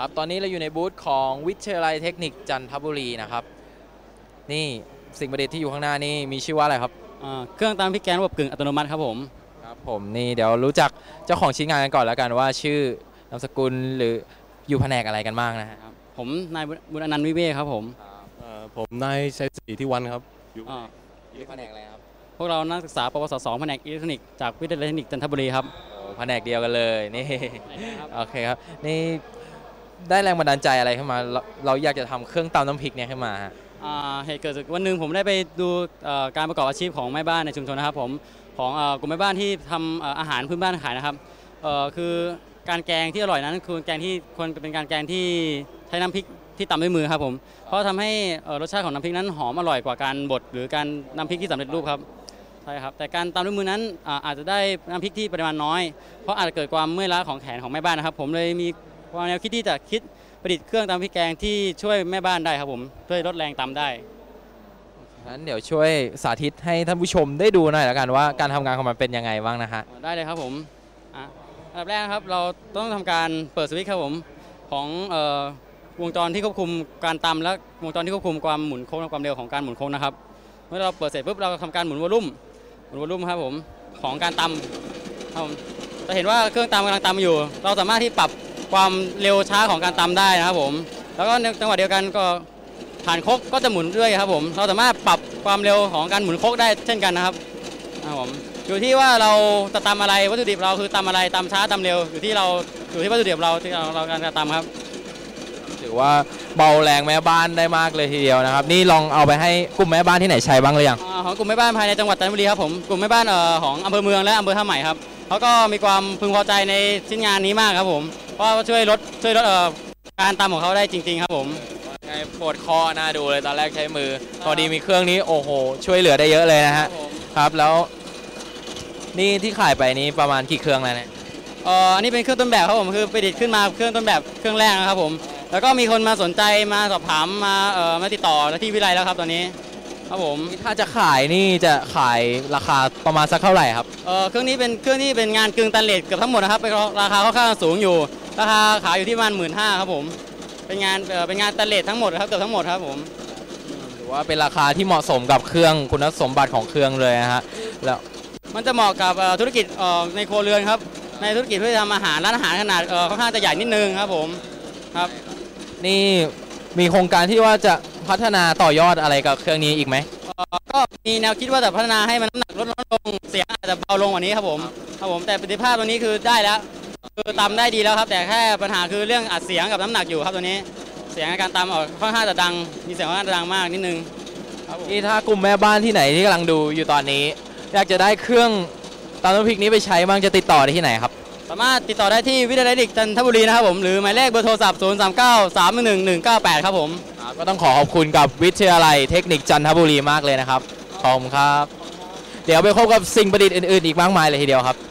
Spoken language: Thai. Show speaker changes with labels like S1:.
S1: ครับตอนนี้เราอยู่ในบูธของวิทยาลัยเทคนิคจันทบุรีนะครับนี่สิ่งประดิษฐ์ที่อยู่ข้างหน้านี่มีชื่อว่าอะไรครับ
S2: เครื่องตำพริกแกงระบบกึ่งอัตโนมัติครับผม
S1: ครับผมนี่เดี๋ยวรู้จักเจ้าของชิ้นงานกันก่อนแล้วกันว่าชื่อนามสกุลหรืออยู่แผนกอะไรกันบ้างนะฮะ
S2: ผมนายบุญอนันต์วิเวกครับผม
S3: ผมนายชัยศรีที่วันครับ
S1: อยู่แผนกอะไรครับ
S2: พวกเรานักศึกษาปวส2แผนกอิเล็กทรอนิกส์จากวิทยาลัยเทคนิคจันทบุรีครับ
S1: แผนกเดียวกันเลยนี่โอเคครับนี่ได้แรงบันดาลใจอะไรขึ้นมาเราอยากจะทำเครื่องตำน้ำพริกเนี่ยขึ้นมา
S2: เหตุเกิดจากวันหนึ่งผมได้ไปดูการประกอบอาชีพของแม่บ้านในชุมชนนะครับผมของกลุ่มแม่บ้านที่ทำอาหารพื้นบ้านขายนะครับคือการแกงที่อร่อยนั้นคือแกงที่ควรเป็นการแกงที่ใช้น้ำพริกที่ตำด้วยมือครับผมเพราะทำให้รสชาติของน้ำพริกนั้นหอมอร่อยกว่าการบดหรือการน้ำพริกที่สำเร็จรูปครับใช่ครับแต่การตำด้วยมือนั้นอาจจะได้น้ำพริกที่ปริมาณน้อยเพราะอาจจะเกิดความเมื่อยล้าของแขนของแม่บ้านนะครับผมเลยมีความแนวคิดที่จะคิดประดิษฐ์เครื่องตำพริกแกงที่ช่วยแม่บ้านได้ครับผมช่วยลดแรงตำได้
S1: งั้นเดี๋ยวช่วยสาธิตให้ท่านผู้ชมได้ดูหน่อยแล้วกันว่าการทำงานของมันเป็นยังไงบ้างนะฮะ
S2: ได้เลยครับผมอันดับแรกครับเราต้องทำการเปิดสวิตช์ครับผมของวงจรที่ควบคุมการตำและวงจรที่ควบคุมความหมุนโค้งและความเร็วของการหมุนโค้งนะครับเมื่อเราเปิดเสร็จปุ๊บเราทำการหมุนวอลลุ่มครับผมของการตำครับผมจะเห็นว่าเครื่องตำกำลังตำอยู่เราสามารถที่ปรับความเร็วช้าของการตำได้นะครับผมแล้วก็ในจังหวะเดียวกันก็ฐานครกก็จะหมุนด้วยครับผมเราสามารถปรับความเร็วของการหมุนครกได้เช่นกันนะครับผมอยู่ที่ว่าเราจะตำอะไรวัตถุดิบเราคือตำอะไรตำช้าตำเร็วอยู่ที่วัตถุดิบเราที่เราการตำครับ
S1: ถือว่าเบาแรงแม่บ้านได้มากเลยทีเดียวนะครับนี่ลองเอาไปให้กลุ่มแม่บ้านที่ไหนใช้บ้างหรือยัง
S2: ของกลุ่มแม่บ้านภายในจังหวัดจันทบุรีครับผมกลุ่มแม่บ้านของอำเภอเมืองและอำเภอท่าใหม่ครับเขาก็มีความพึงพอใจในชิ้นงานนี้มากครับผมเพราะช่วยลดการตำของเขาได้จริงๆครับผม
S1: ไงปวดคอน่าดูเลยตอนแรกใช้มือพอดีมีเครื่องนี้โอ้โหช่วยเหลือได้เยอะเลยนะฮะครับแล้วนี่ที่ขายไปนี้ประมาณกี่เครื่องแล้วเนี่ย
S2: อันนี้เป็นเครื่องต้นแบบครับผมคือประดิษฐ์ขึ้นมาเครื่องต้นแบบเครื่องแรกนะครับผมแล้วก็มีคนมาสนใจมาสอบถามมาติดต่อที่วิไลแล้วครับตอนนี้ครับผม
S1: ถ้าจะขายนี่จะขายราคาประมาณสักเท่าไหร่ครับ
S2: เครื่องนี้เป็นเครื่องที่เป็นงานกึ่งตันเลทเกือบทั้งหมดนะครับราคาค่อนข้างสูงอยู่ราคาขายอยู่ที่ประมาณ15,000ครับผมเป็นงานตันเลททั้งหมดครับเกือบทั้งหมดครับผม
S1: ถือว่าเป็นราคาที่เหมาะสมกับเครื่องคุณสมบัติของเครื่องเลยนะฮะแล้ว
S2: มันจะเหมาะกับธุรกิจในครัวเรือนครับในธุรกิจเพื่อทำอาหารร้านอาหารขนาดค่อนข้างจะใหญ่นิดนึงครับผมครับ
S1: นี่มีโครงการที่ว่าจะพัฒนาต่อยอดอะไรกับเครื่องนี้อีกไหม
S2: ก็มีแนวคิดว่าจะพัฒนาให้มันน้ำหนักลดลงเสียงอาจจะเบาลงกว่านี้ครับผมแต่ประสิทธิภาพตัวนี้คือได้แล้วคือตำได้ดีแล้วครับแต่แค่ปัญหาคือเรื่องอัดเสียงกับน้ำหนักอยู่ครับตัวนี้เสียงในการตำค่อนข้างจะดังมีเสียงค่อนข้างดังมากนิดนึง
S1: ที่ถ้ากลุ่มแม่บ้านที่ไหนที่กำลังดูอยู่ตอนนี้อยากจะได้เครื่องตำน้ำพริกนี้ไปใช้บ้างจะติดต่อได้ที่ไหนครับ
S2: สามารถติดต่อได้ที่วิทยาลัยเทคนิคจันทบุรีนะครับผมหรือหมายเลขเบอร์โทรศัพท์039-311-198ครับผม
S1: ก็ต้องขอบคุณกับวิทยาลัยเทคนิคจันทบุรีมากเลยนะครับขอบคุณครับเดี๋ยวไปพบกับสิ่งประดิษฐ์อื่นๆอีกมากมายเลยทีเดียวครับ